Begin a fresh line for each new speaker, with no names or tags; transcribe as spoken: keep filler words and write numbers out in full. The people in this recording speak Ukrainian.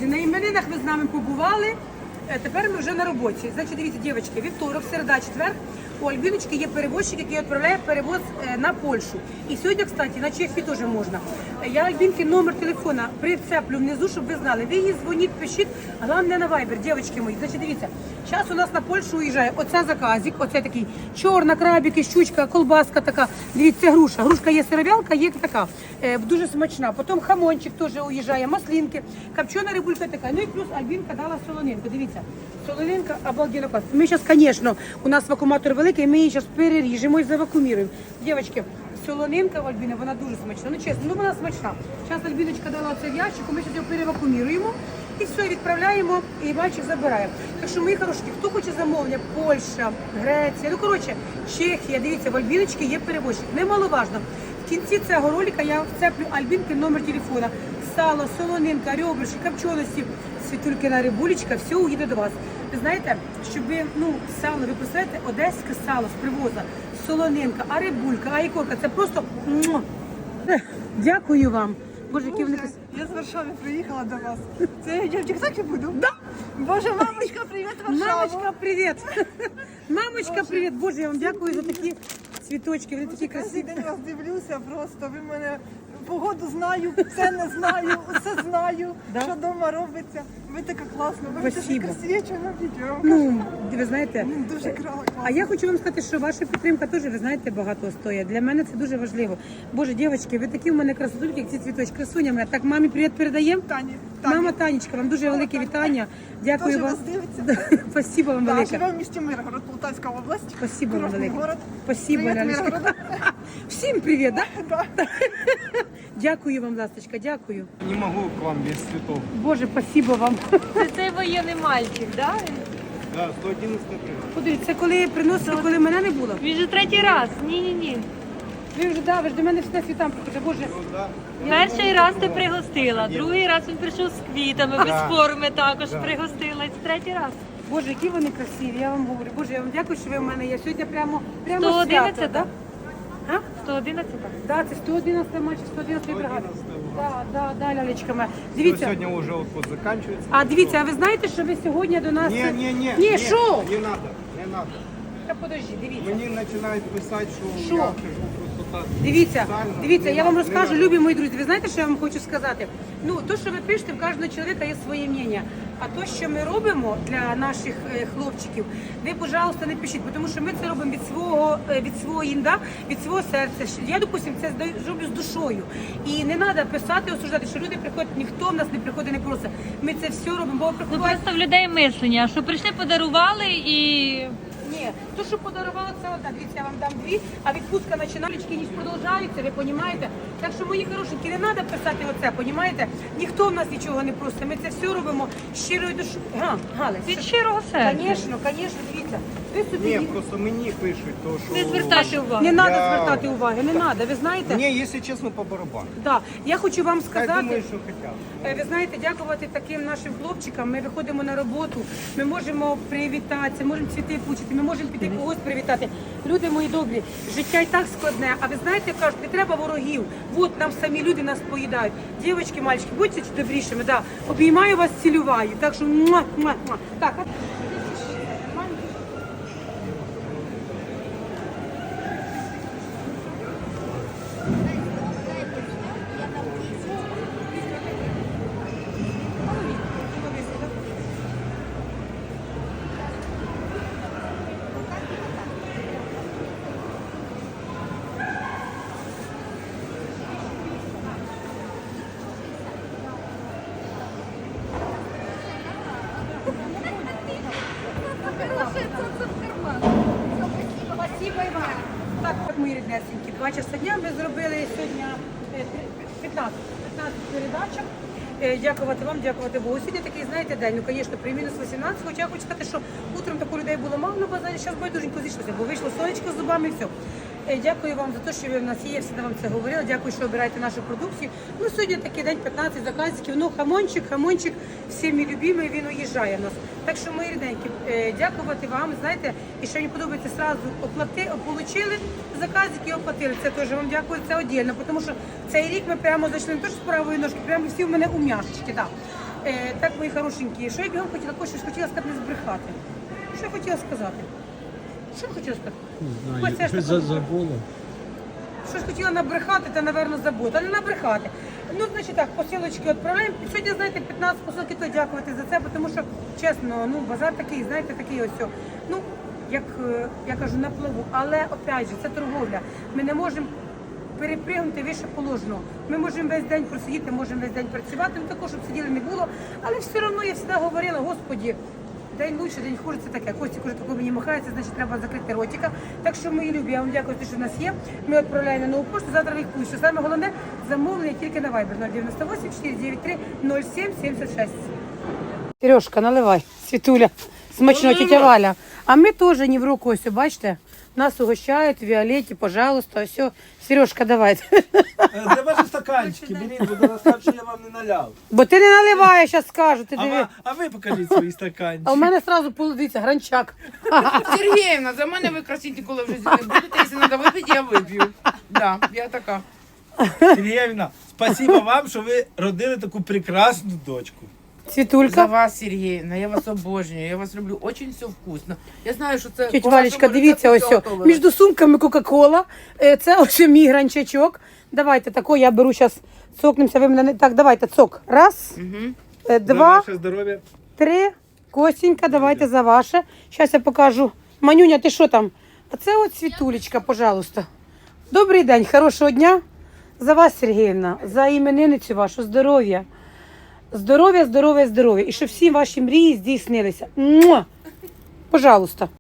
на іменинах ви з нами побували. Е, Тепер ми вже на роботі. Значить, дивіться, дівчатки, вівторок, середа, четвер. У Альбіночки є перевозчик, який відправляє перевоз е, на Польщу. І сьогодні, кстати, на Чехії теж можна. Е, Я Альбінки номер телефона прицеплю внизу, щоб ви знали. Ви їй дзвоніть, пишіть, головне на Viber, дівчатки мої. Значить, дивіться, зараз у нас на Польщу уїжджає оце заказик, оце такий чорна, крабіки, щучка, колбаска така. Дивіться, груша. Грушка є сировялка, є така, е, дуже смачна. Потім хамончик теж уїжджає, маслинки, копчена рибулька така. Ну і плюс Альбінка дала солонинку. Дивіться, солонинка обалденно класна. Ми зараз, звісно, у нас вакууматор великий, ми її зараз переріжемо і завакууміруємо. Дівчатки, солонинка в Альбіни, вона дуже смачна. Ну чесно, ну вона смачна. Зараз Альбіночка дала це в ящику, ми зараз його перевакууміруємо. І все, відправляємо, і мальчик забирає. Так що, мої хорошки, хто хоче замовлення, Польща, Греція, ну, коротше, Чехія, дивіться, в Альбіночки є перевозчик. Немаловажно. В кінці цього ролика я вцеплю Альбінки номер телефона. Сало, солонинка, ребрышки, копченості, світулькина рибулечка, все уїде до вас. Ви знаєте, щоб ви, ну, сало, ви представляєте, одеське сало з привоза, солонинка, а рибулька, а ікорка, це просто... муа. Дякую вам. Боже, які вони красиві.
Я з Варшави приїхала до вас. Це я в Тіктокі буду? Да. Боже, мамочка, привіт, Варшава.
Мамочка, привіт! Мамочка, привіт! Боже, я вам дякую за такі цвіточки, вони такі
Кожен
красиві.
день вас дивлюся просто, ви мене погоду знаю, все не знаю, все знаю,
Да?
що вдома робиться. Ви така класна, ви така
Спасибо.
красиві, що на відео. Я вам кажу,
Ну, ви знаєте,
ну, дуже класно.
а я хочу вам сказати, що ваша підтримка теж, ви знаєте, багато стоїть. Для мене це дуже важливо. Боже, дівчатки, ви такі в мене красотульки, як ці цвіточки. Красуня моя. Так, мамі привіт передаємо.
Тані, Тані.
Мама Танечка, вам дуже велике вітання. Дякую
Теж
вам.
вас дивиться.
Спасибо вам
Да,
велике.
живе в місті Миргород, Полтавська область.
Спасибо вам
Курортний
велике.
город.
Спасибо,
Привіт,
Лялечка.
Миргород.
Всім привіт, да?
Да.
Дякую вам, ласточка, дякую.
Не могу к вам без цветов.
Боже, спасибо вам.
Це цей воєнний мальчик, да?
Да, сто одиннадцатая бригада.
Подивіться, це коли приносили, коли мене не було.
Він же третій раз. Ні-ні-ні.
Ви вже, да, ви ж до мене всі світам приходите. Боже,
Ну да.
Перший раз ти пригостила, другий раз він прийшов з квітами, без форми також пригостила. І це третій раз.
Боже, які вони красиві, я вам говорю. Боже, я вам дякую, що ви в мене є. Сьогодні прямо, прямо
сто одинадцять,
свято, да? А?
сто одинадцять?
Да, це сто одинадцята матч, сто одинадцята бригада. Да, да, да, лялечка моя.
Всё,
Дивіться.
сегодня уже отпуск заканчивается.
А дивіться, а ви знаєте, що ви сьогодні до нас...
Не, не, не.
Ні, що?
Не надо, не надо.
Та подожди, дивіться.
Мені починають писати, що
Що?
я хожу просто так.
Дивіться,
спеціально.
дивіться,
Не
я вам
надо,
розкажу,
не надо.
любі мої друзі. Ви знаєте, що я вам хочу сказати? Ну, то, що ви пишете, в кожного чоловіка є своє мнення. А то, що ми робимо для наших е, хлопчиків, ви, пожалуйста, не пишіть, тому що ми це робимо від свого, е, від свого інда, від свого серця. Я, допустим, це здаю- зроблю з душою. І не треба писати, осуждати, що люди приходять, ніхто в нас не приходить, не просить. Ми це все робимо, бо
Ну
приходять.
просто в людей мислення, що прийшли, подарували і
Ні, то, що подарували, це одна. Дивіться, я вам дам дві, а відпустка починалічки ніж продовжується, ви розумієте? Так що, мої хорошенькі, не треба писати оце, розумієте? Ніхто в нас нічого не просить, ми це все робимо щирою душою. Га, Галя,
від щирого серця.
звісно, звісно, дивіться. Ви собі
Ні,
ні-
просто мені пишуть, то що...
Не звертайте увагу.
не треба
Я-
звертати уваги, не треба, ви знаєте?
Мені, якщо чесно, по барабану.
Да. Я хочу вам
Хай
сказати.
думають, що хотять.
Е, Ви знаєте, дякувати таким нашим хлопчикам. Ми виходимо на роботу, ми можемо привітатися, можемо цвіти пучити, ми можемо піти когось привітати. Люди мої добрі, життя і так складне. А ви знаєте, кажуть, не треба ворогів. От нам самі люди нас поїдають. Дівчатки, мальчики, будьте добрішими. Да. Обіймаю вас, цілюваю. Так що муа, муа, муа. Так, а- Спасибо, Іван. Так, от мої ріднесенькі, два часа дня ми зробили сьогодні е, п'ятнадцять п'ятнадцять передачок. Е, Дякувати вам, дякувати Богу. Сьогодні такий, знаєте, день, ну, звісно, при мінус вісімнадцять, хоча я хочу сказати, що утром таку людей було мало на базарі, зараз байдуженько зійшлося, бо вийшло сонечко з зубами і все. Е, Дякую вам за те, що ви в нас є, я всегда вам це говорила. Дякую, що обираєте нашу продукцію. Ну, сьогодні такий день, п'ятнадцять заказиків. Ну, хамончик, хамончик, всіми любимий, він уїжджає в нас. Так що, мої рідненькі, е, дякувати вам. Знаєте, і що мені подобається, сразу оплати, отримали заказики і оплатили. Це теж вам дякую, це віддільно, тому що цей рік ми прямо зайшли не то, що з правої ножки, прямо всі в мене у м'яшечки. Да. Е, так, мої хорошенькі, що я бігом хотіла, Костя, ж хотіла сказати, не збрехати. Що я хотіла сказати? Що я хотіла сказати?
Не
Ось це
знаю,
ж
щось
таке.
за- забула.
Що ж хотіла набрехати, та, напевно, забути, а не набрехати. Ну, значить так, посилочки відправляємо. Сьогодні, знаєте, п'ятнадцять посилки, то дякувати за це, тому що, чесно, ну, базар такий, знаєте, такий ось. о. Ну, як е, я кажу, на плаву. Але, опять же, це торговля. Ми не можемо перепригнути вище положеного. Ми можемо весь день просидіти, можемо весь день працювати, ну також, щоб сиділи не було. Але все одно я завжди говорила, Господі, день лучше, день хуже, це таке. Костік уже такого мені махається, значить треба закрити ротика. Так що, мої любі, я вам дякую, що в нас є. Ми відправляємо на нову пошту, завтра їх пущу. Саме головне, замовлення тільки на Viber нуль дев'яносто вісім чотири дев'ять три нуль сім сімдесят шість. Сережка, наливай, Світуля, смачно, тетя Валя. А ми теж не в руку, ось, бачите, нас угощають, Віолетті, пожалуйста, все. Сережка, давай.
Де ваші стаканчики? Беріть, бо зараз так, що я вам не наляв.
Бо ти не наливаєш, зараз скажу, ти
А,
диви.
ва- а ви покажіть свої стаканчики.
А у мене одразу полудиться, гранчак.
Сергеевна, за мене ви красить ніколи в житті не будете. Якщо треба випити, я вип'ю. Да, я така.
Сергіївна, спасибо вам, що ви родили таку прекрасну дочку.
За
Світулька.
вас, Сергеевна, я вас обожнюю, я вас люблю. Очень все вкусно. Я знаю, що це
Тетя
по
Валечка,
вашому
дивіться, ось
рецепту
о,
готовили.
між сумками Кока-Кола. Е, Це ось мій гранчачок. Давайте тако, я беру зараз, цокнемося, ви мене не... Так, давайте, цок. Раз,
Мгм.
е,
За
два,
ваше здоров'я.
три. Костенька, давайте за ваше. Зараз я покажу. Манюня, ти що там? А це от Світулечка, пожалуйста. Добрий день, хорошого дня. За вас, Сергіївна, за іменинницю вашу, здоров'я. Здоров'я, здоров'я, здоров'я. І щоб всі ваші мрії здійснилися. Муа! Пожалуйста.